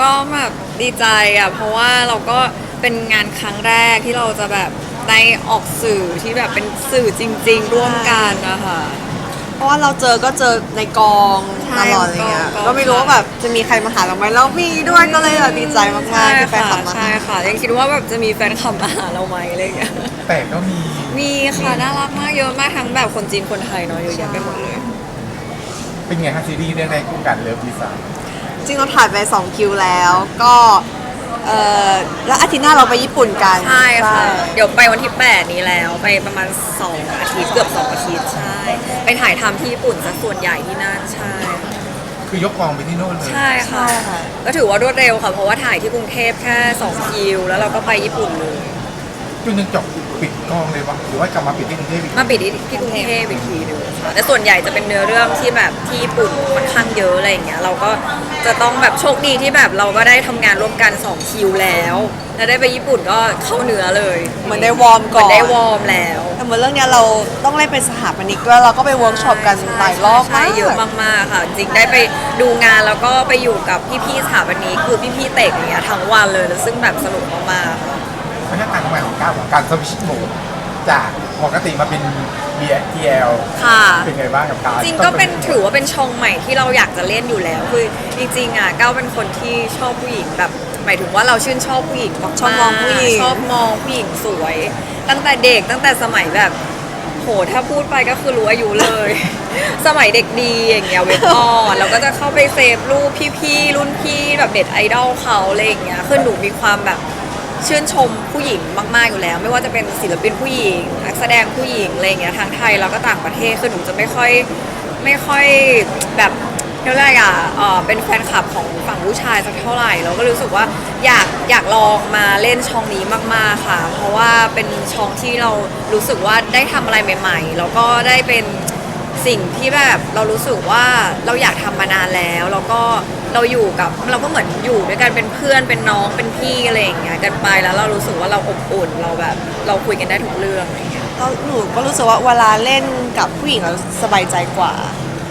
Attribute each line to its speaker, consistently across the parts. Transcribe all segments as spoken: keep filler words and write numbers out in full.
Speaker 1: ก็แบบดีใจอ่ะเพราะว่าเราก็เป็นงานครั้งแรกที่เราจะแบบได้ออกสื่อที่แบบเป็นสื่อจริงๆร่วมกันนะคะ
Speaker 2: เพราะว่าเราเจอก็เจอในกองตลอดอะไรเงี้ยก็ไม่รู้ว่าแบบจะมีใครมาหาเราไหมแล้วมีด้วยก็เลยแบบดีใจมากๆที่แฟนคลับมา
Speaker 1: ใช่ค่ะยังคิดว่าแบบจะมีแฟนคลับมาหาเราไหมอะไรอย่างเงี้ย
Speaker 3: แต่ก็มี
Speaker 1: มีค่ะน่ารักมากเยอะมากทั้งแบบคนจีนคนไทยเนาะเยอะแยะไปหมดเลย
Speaker 3: เป็นไงครับซีรีส์เรื่องแรกคู่กันเลิฟดีไซน์
Speaker 2: จริงเราถ่ายไปสองคิวแล้วก็เออแล้วอาทิตย์หน้าเราไปญี่ปุ่นกัน
Speaker 1: ใช่ค่ะเดี๋ยวไปวันที่แปดนี้แล้วไปประมาณสองอาทิตย์เกือบสองอาทิตย์ใช่ไปถ่ายทำที่ญี่ปุ่นซะส่วนใหญ่ที่นั่นใช่
Speaker 3: คือยกกองไปที่โน่นเลย
Speaker 1: ใช่ค่ะก็ถือว่ารวดเร็วค่ะเพราะว่าถ่ายที่กรุงเทพแค่สองคิวแล้วเราก็ไปญี่ปุ่นเลย
Speaker 3: จนยังจบปิดกองเลยวะหรือว่ากลับมาปิดที่กรุงเทพอีก
Speaker 1: มาปิดที่กรุงเทพอีกทีนึงค่ะแต่ส่วนใหญ่จะเป็นเนื้อเรื่องที่แบบที่ญี่ปุ่นค่อนข้างเยอะอะไรอย่างเงี้ยเราก็จะต้องแบบโชคดีที่แบบเราก็ได้ทำงานร่วมกันสองคิวแล้วแล้วได้ไปญี่ปุ่นก็เข้าเนื้อเลย
Speaker 2: เหมือนได้วอร์มก่อน
Speaker 1: ได้วอร์มแล้ว
Speaker 2: แต่เหมือนเรื่องนี้เราต้องเล่นเป็นสถาปนิกด้วยเราก็ไปเวิร์กช็อปกันหลายรอบมาก
Speaker 1: เยอะมากๆค่ะจริงได้ไปดูงานแล้วก็ไปอยู่กับพี่ๆสถาปนิกคือพี่ๆเตกอย่างเงี้ยทั้งวันเลยซึ่งแบบสนุกมากๆ
Speaker 3: เพราะฉะนั้นการทำงานของก้าวของการสวิชโหมดจากปกติมาเป็น บี เอ ที แอล
Speaker 1: ค่ะ
Speaker 3: เป็นไงบ้างกับการ
Speaker 1: จริงก็เป็นถือว่าเป็นช่องใหม่ที่เราอยากจะเล่นอยู่แล้วคือจริงๆอ่ะก้าวเป็นคนที่ชอบผู้หญิงแบบหมายถึงว่าเราชื่นชอบผู้หญิงมากๆ
Speaker 2: ชอบมองผู้หญิง
Speaker 1: ชอบมองผู้หญิงสวย ตั้งแต่เด็กตั้งแต่สมัยแบบโหถ้าพูดไปก็คือรู้อายุเลย สมัยเด็กดีอย่างเงี้ยเว็บออนเราก็จะเข้าไปเซฟรูปพี่ๆรุ่นพี่แบบเด็ดไอดอลเขาอะไรอย่างเงี้ยคือหนูมีความแบบชื่นชมผู้หญิงมากๆอยู่แล้วไม่ว่าจะเป็นศิลปินผู้หญิงนักแสดงผู้หญิงอะไรอย่างเงี้ยทั้งไทยแล้วก็ต่างประเทศคือหนูจะไม่ค่อยไม่ค่อยแบบเท่าไหร่อ่ะเออเป็นแฟนคลับของฝั่งผู้ชายสักเท่าไหร่เราก็รู้สึกว่าอยากอยากลองมาเล่นช่องนี้มากๆค่ะเพราะว่าเป็นช่องที่เรารู้สึกว่าได้ทำอะไรใหม่ๆแล้วก็ได้เป็นสิ่งที่แบบเรารู้สึกว่าเราอยากทำมานานแล้วแล้วก็เราอยู่กับเราก็เหมือนอยู่ด้วยกันเป็นเพื่อนเป็นน้องเป็นพี่อะไรอย่างเงี้ยกันไปแล้วเรารู้สึกว่าเราอบอุ่นเราแบบเราคุยกันได้ทุกเรื่องอะไรเงี้ย
Speaker 2: แล้วหนูก็รู้สึกว่าเวลาเล่นกับผู้หญิงเราสบายใจกว่า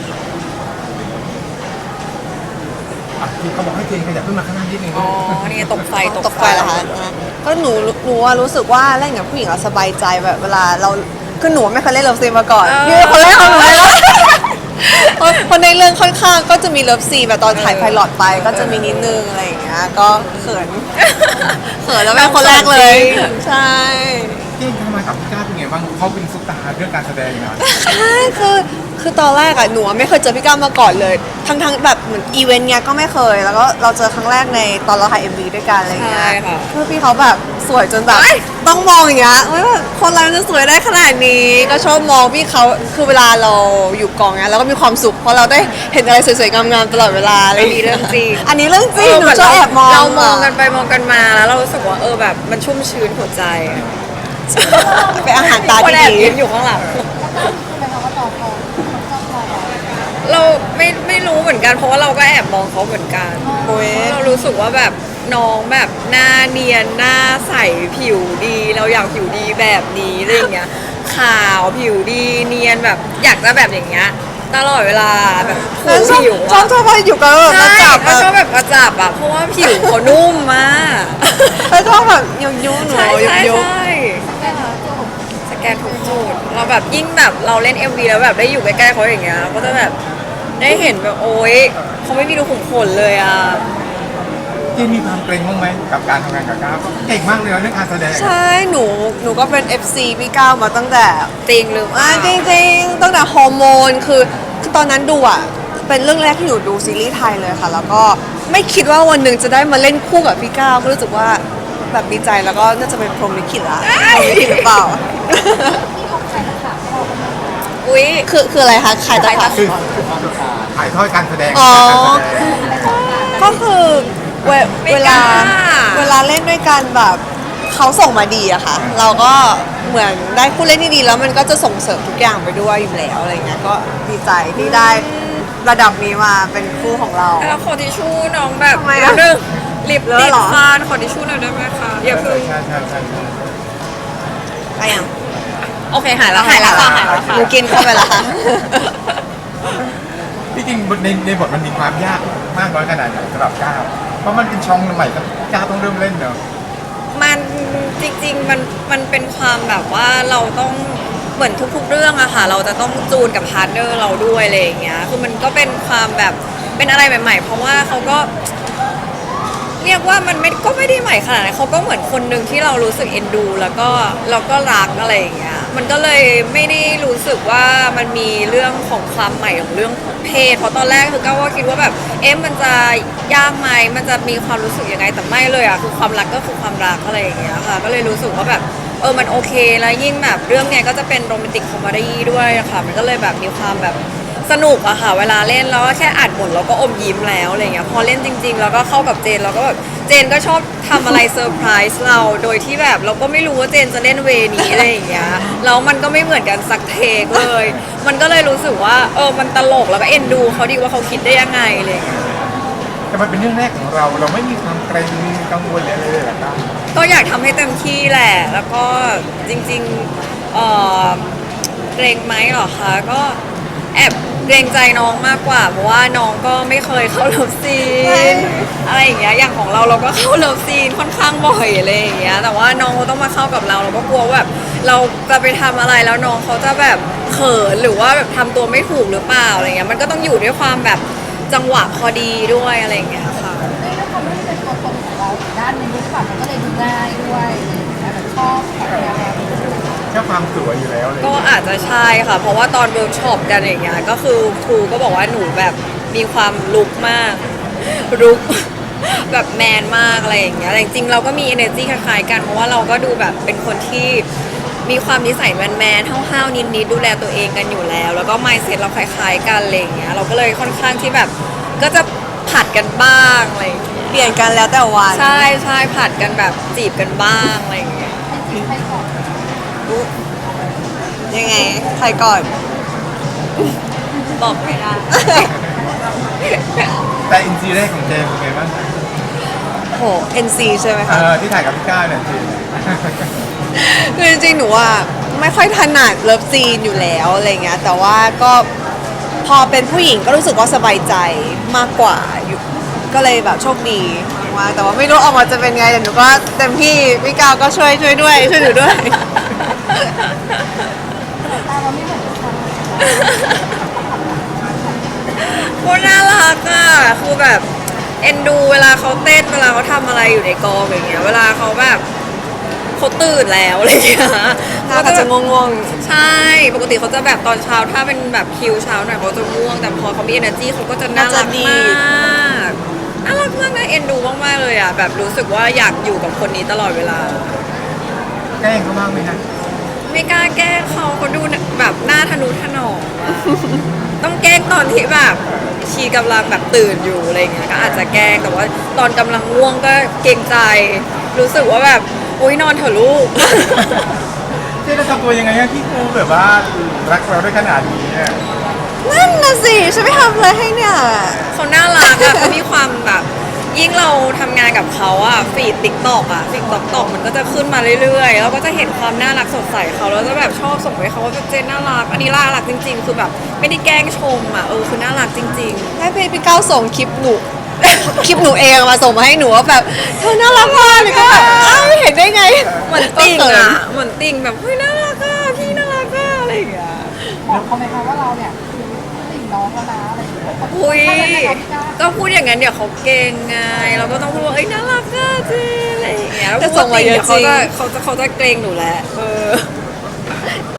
Speaker 3: ที่เขาบอกให้เจนขยับขึ้นมาข้างหน้านิดนึง
Speaker 1: อ๋อนี่ตกไฟ
Speaker 2: ตกไฟเหรอคะก็หนูหนูรู้สึกว่าเล่นกับผู้หญิงเราสบายใจแบบเวลาเราคือหนูไม่เคยเล่นเลิฟซีนมาก่อนพี่เป็นคนแรกของหนูเลยนะเพราะในเรื่องค่อนข้างก็จะมีเลิฟซีนแบบตอนถ่ายไพลอตไปก็จะมีนิดนึงอะไรอย่างเงี้ยก็เขินเขินแล้วเป็นคนแรกเลยใช่
Speaker 3: เจนทำไมกับพี่ก้าวเป็นไงบ้างเขาเป็นซุปตาร์เรื่องการแสดงนะ
Speaker 2: ใช่คือคือตอนแรกอะหนูไม่เคยเจอพี่ก้าวมาก่อนเลยทั้งทั้งแบบเหมือนอีเวนต์เนี้ยก็ไม่เคยแล้วก็เราเจอครั้งแรกในตอนเราถ่ายเอ็มวีด้วยกันอะไรเงี้ยคือพี่เขาแบบสวยจนแบบต้องมองอย่างเงี้ยว่าคนเราจะสวยได้ขนาดนี้ก็ชอบมองพี่เขาคือเวลาเราอยู่กองเนี้ยเราก็มีความสุขเพราะเราได้เห็นอะไรสวยๆงามๆตลอดเวลาอะไรอย่างเงี้ย
Speaker 1: เรื่องจริง
Speaker 2: อันนี้เรื่องจริงหนูชอบแอบมอง
Speaker 1: เรามองกันไปมองกันมาแล้วเรารู้สึกว่าเออแบบมันชุ่มชื้นหัวใจ
Speaker 2: เป็นอาหารตาที่ดี
Speaker 1: อยู่ข้างหลังเราไม่ไม่รู้เหมือนกันเพราะว่าเราก็แอบมองเขาเหมือนกันเรารู้สึกว่าแบบน้องแบบหน้าเนียนหน้าใสผิวดีเราอยากผิวดีแบบนี้อะไรอย่างเงี้ยขาวผิวดีเนียนแบบอยากจะแบบอย่างเงี้ยตลอดเวลาแบบ
Speaker 2: ผิวชอบชอบไปอยู่กับแบบมาจับ
Speaker 1: ชอบแบบมาจับอ่ะเพราะว่าผิวเขานุ่มมาก
Speaker 2: แล้วชอบแบบยุ้ยยุ้ยหนูยุ้ยยุ้ย
Speaker 1: สแกนทุกจุดเราแบบยิ่งแบบเราเล่น เอ็ม วี แล้วแบบได้อยู่ใกล้ๆเขาอย่างเงี้ยก็จะแบบได้เห็นแบบโอ๊ยเขาไม่มีรูขุมขนเลยอ่ะ
Speaker 3: เจนมีความเกรงบ้างไหมกับการทำงานกับก้าวเก่งมากเลยเรื่องการแสดง
Speaker 2: ใช่หนูหนูก็เป็น เอฟ ซี พี่ก้าวมาตั้งแต่
Speaker 1: จริงหรือ
Speaker 2: อ่าจริงๆตั้งแต่ฮอร์โมนคือคือตอนนั้นดูอ่ะเป็นเรื่องแรกที่หนูดูซีรีส์ไทยเลยค่ะแล้วก็ไม่คิดว่าวันหนึ่งจะได้มาเล่นคู่กับพี่ก้าวก็รู้สึกว่าแบบดีใจแล้วก็น่าจะเป็นพรหมลิขิตละพรหมลิขิตหรือเปล่า
Speaker 1: อุ้ย
Speaker 2: คือคืออะไรคะขายตะขาบ
Speaker 3: คือถ่ายทอดการแสดง
Speaker 2: อ๋อก็คือเวเวลาเวลาเล่นด้วยกันแบบเขาส่งมาดีอะค่ะเราก็เหมือนได้ผู้เล่นที่ดีแล้วมันก็จะส่งเสริมทุกอย่างไปด้วยอยู่แล้วอะไรเงี้ยก็ดีใจที่ได้ระดับนี้มาเป็นคู่ของเรา
Speaker 1: แล้วขอทิชชู่น้องแบบ
Speaker 2: นึง
Speaker 1: ลิปติดฟานขอทิชชู่หน่อยได้ไหมคะอย่าเพิ่ง
Speaker 3: ใช่ใช่ใช่
Speaker 2: ไปยัง
Speaker 1: โอเคหายแล้วหายแล้วค่ะหายแล้วค่ะ
Speaker 2: หนูกินเข้าไปแล้วค่ะ
Speaker 3: ที่จริงในในบทมันมีความยากมากน้อยขนาดไหนสำหรับก้าวเพราะมันเป็นช่องใหม่ก็ก้าวต้องเริ่มเล่นเนอะ
Speaker 1: มันจริงๆมันมันเป็นความแบบว่าเราต้องเหมือนทุกๆเรื่องอะค่ะเราจะต้องจูนกับพาร์ทเนอร์เราด้วยอะไรอย่างเงี้ยคือมันก็เป็นความแบบเป็นอะไรใหม่ๆ เพราะว่าเขาก็เรียกว่ามันไม่ก็ไม่ได้ใหม่ขนาดนั้นเขาก็เหมือนคนหนึ่งที่เรารู้สึกเอ็นดู แล้วก็เราก็รักอะไรอย่างเงี้ยมันก็เลยไม่ได้รู้สึกว่ามันมีเรื่องของความใหม่ของเรื่องเพศเพราะตอนแรกคือก็ว่าคิดว่าแบบเอ๊ะมันจะยากไหมมันจะมีความรู้สึกยังไงแต่ไม่เลยอะคือความรักก็คือความรักอะไรอย่างเงี้ยค่ะก็เลยรู้สึกว่าแบบเออมันโอเคแล้วยิ่งแบบเรื่องเนี้ยก็จะเป็นโรแมนติกคอมเมดี้ด้วยอะค่ะมันก็เลยแบบมีความแบบสนุกอะค่ะเวลาเล่นแล้วก็แค่อ่านบทเราก็อมยิ้มแล้วอะไรเงี้ยพอเล่นจริง ๆ แล้วก็เข้ากับเจนเราก็แบบเจนก็ชอบทำอะไรเซอร์ไพรส์เราโดยที่แบบเราก็ไม่รู้ว่าเจนจะเล่นเวนี้อะไรอย่างเงี้ยแล้วมันก็ไม่เหมือนกันสักเทคเลย มันก็เลยรู้สึกว่าเออมันตลกแล้วก็เอ็นดูเขาดีว่าเขาคิดได้ยังไงอะไรอย่างเลย
Speaker 3: แต่มันเป็นเรื่องแรกของเราเราไม่มีความเกรงกังวลเลยเลยเหรอครับ
Speaker 1: ก็อยากทำให้เต็มที่แหละ แล้วก็จริงๆเอ่อเกรงไหมเหรอคะ ก็แอบเกรงใจน้องมากกว่า เพราะว่าน้องก็ไม่เคยเข้าเลิฟซีนอะไรอย่างเงี้ย อย่างของเราเราก็เข้าเลิฟซีนค่อนข้างบ่อยอะไรอย่างเงี้ย แต่ว่าน้องเขาต้องมาเข้ากับเราเราก็กลัวว่าแบบเราจะไปทำอะไรแล้วน้องเขาจะแบบเขินหรือว่าแบบทำตัวไม่ถูกหรือเปล่าอะไรเงี้ย มันก็ต้องอยู่ด้วยความแบบจังหวะพอดีด้วยอะไรอย่างเงี้ยค่ะ
Speaker 4: ด้วยความที่เป็นตัวตนของเราอีกด้านหนึงด้วยค่ะมันก็เลยดูง่ายด้วยแบบชอบแบบแนวนี้
Speaker 3: แค่ความสวยอยู่แล้วเลย
Speaker 1: ก็อาจจะใช่ค่ะ เพราะว่าตอนเวิร์กช็อปกันอย่างเงี้ยก็คือครูก็บอกว่าหนูแบบมีความลุกมากลุก แบบแมนมากอะไรอย่างเงี้ยแต่จริงๆเราก็มี energy คล้ายๆกันเพราะว่าเราก็ดูแบบเป็นคนที่มีความนิสัยแมนๆห้าวๆนิดๆดูแลตัวเองกันอยู่แล้ว แล้วก็ mindset เราคล้ายๆกันอะไรอย่างเงี้ยเราก็เลยค่อนข้างที่แบบก็จะผัดกันบ้างอะไรอย่างเงี้ย
Speaker 2: เปลี่ยนกันแล้วแต่วัน
Speaker 1: ใช่ใช่ผัดกันแบบจีบกันบ้างอะไรอย่างเงี้ย
Speaker 4: ให้จีบให้ก่อน
Speaker 2: ยังไงใครก่อน
Speaker 1: บอกไม่ได้
Speaker 3: แต่อินซีแรกของเจมส์เป็นไงบ้าง
Speaker 2: โห เอ็น ซี ใช่ไหม
Speaker 3: เอ
Speaker 2: คะ
Speaker 3: อที่ถ่ายกับพี่ก้าวเนี่ยจริง
Speaker 2: คือจริงๆ หนูว่าไม่ค่อยถนัดเลิฟซีนอยู่แล้วอะไรเงี้ย แต่ว่าก็พอเป็นผู้หญิงก็รู้สึกว่าสบายใจมากกว่าอยู่ก็เลยแบบโชคดีมากแต่ว่าไม่รู้ออกมาจะเป็นไงแต่หนูก็เต็มที่พี่กาวก็ช่วยช่วยด้วยช่วยหนูด้วย
Speaker 4: ตาเราไม่เหมือนกัน
Speaker 1: โคตรน่ารักอ่ะคือแบบเอ็นดูเวลาเขาเต้นเวลาเขาทำอะไรอยู่ในกองอย่างเงี้ย เวลาเขาแบบเขาตื่นแล้วอะไรอย่างเงี้ย
Speaker 2: น่าจะง่วง
Speaker 1: ใช่ ปกติเขาจะแบบตอนเช้าถ้าเป็นแบบคิวเช้าหน่อยเขาจะง่วง แต่พอเขามี energy เขาก็จะน่ารักมากน่ารักมากนะเอ็นดูมากๆเลยอ่ะแบบรู้สึกว่าอยากอยู่กับคนนี้ตลอดเวลา
Speaker 3: แกล้งเขาบ้างไหมฮะ
Speaker 1: ไม่กล้าแกล้งเขาเขาดูแบบหน้าทะนุถนอมอะ ต้องแกล้งตอนที่แบบชีกำลังแบบตื่นอยู่อะไรเงี้ยก็อาจจะแกล้งแต่ว่าตอนกำลังง่วงก็เกรงใจ รู้สึกว่าแบบโอ๊ยนอนเถอะลูก
Speaker 3: เจ๊จะทำตัวยังไงฮะที่ครูแบบว่ารักเราได้ขนาดนี้เนี่ย
Speaker 2: ๆนั่นน่ะสิฉันไม่ทำอะไรให้เนี่ย
Speaker 1: เขาน่ารักอะเขามีความแบบยิ่งเราทำงานกับเขาอะฟีดติ๊กตอกอะฟีดติ๊กตอกมันก็จะขึ้นมาเรื่อยๆแล้วก็จะเห็นความน่ารักสดใสเขาแล้วจะแบบชอบส่งไปเขาว่าเจนน่ารักอันนี้น่ารักจริง ๆ คือแบบไม่ได้แกล้งชมอะเออคือน่ารักจริง ๆ
Speaker 2: ให้พี่พี่ก้าวส่งคลิปหนู คลิปหนูเองมาส่งมาให้หนูว่าแบบเธอน่ารักมากเลยก็แบบอ้าวเห็นได้ไง
Speaker 1: เหมือนติ่งอ่ะ เหมือนติ่งแบบเฮ้ยน่ารักอ่ะพี่น่ารักอ่ะอะไรอย่างเงี้ย
Speaker 4: บอกเขาไหมคะว่าเราเนี่ยคือติ่งน้องแล้วนะอะไรอย่างเงี้ย
Speaker 1: อุ้ย
Speaker 4: ก็
Speaker 1: ก็พูดอย่างนั้นเดี๋ยวเขาเก่งไง เราก็ต้องพูดว่าเอ้ยน่ารักอ่ะเจอะไรอย่างเงี้ยแล้ว
Speaker 2: แต่
Speaker 1: พูด
Speaker 2: ส่งมา
Speaker 1: ว่าติ่ง
Speaker 2: เยอะ
Speaker 1: เดี๋ยวเขา
Speaker 2: จริ
Speaker 1: จะ
Speaker 2: ง
Speaker 1: เขาจะเขาจะเกรงหนูแหละเออ